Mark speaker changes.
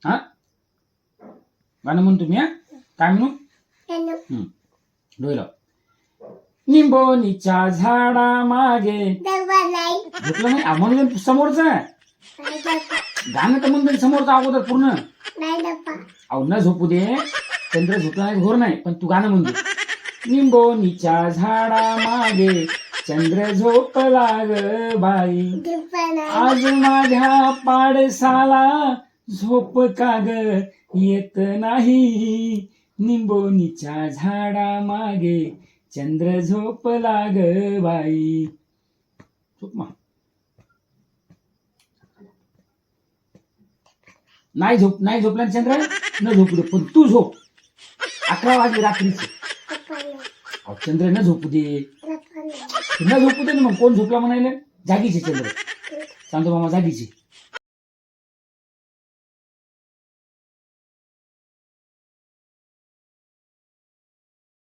Speaker 1: हा गाणं म्हणतो मी. हा काय म्हणू? डोळे लाव. निंबोनीच्या झाडा मागे झोपलं नाही म्हणून समोरच गाणं तर म्हणतो समोरचं अगोदर पूर्ण. अहो न झोपू दे, चंद्र झोपला नाही घोर नाही, पण तू गाणं म्हणतो. निंबोनीच्या झाडा मागे चंद्र झोपला ग बाई, आज माझ्या पाडसाला झोप का ग येत नाही. निंबोनीच्या झाडा मागे चंद्र झोपला ग बाई. झोप मग. नाही झोपला चंद्र, न झोपू दे, पण तू झोप. 11 वाजले रात्रीचे. चंद्र न झोपू दे, न झोपू दे ना. मग कोण झोपला म्हणायला? जागीचे चंद्र, चांदू मामा जागीचे.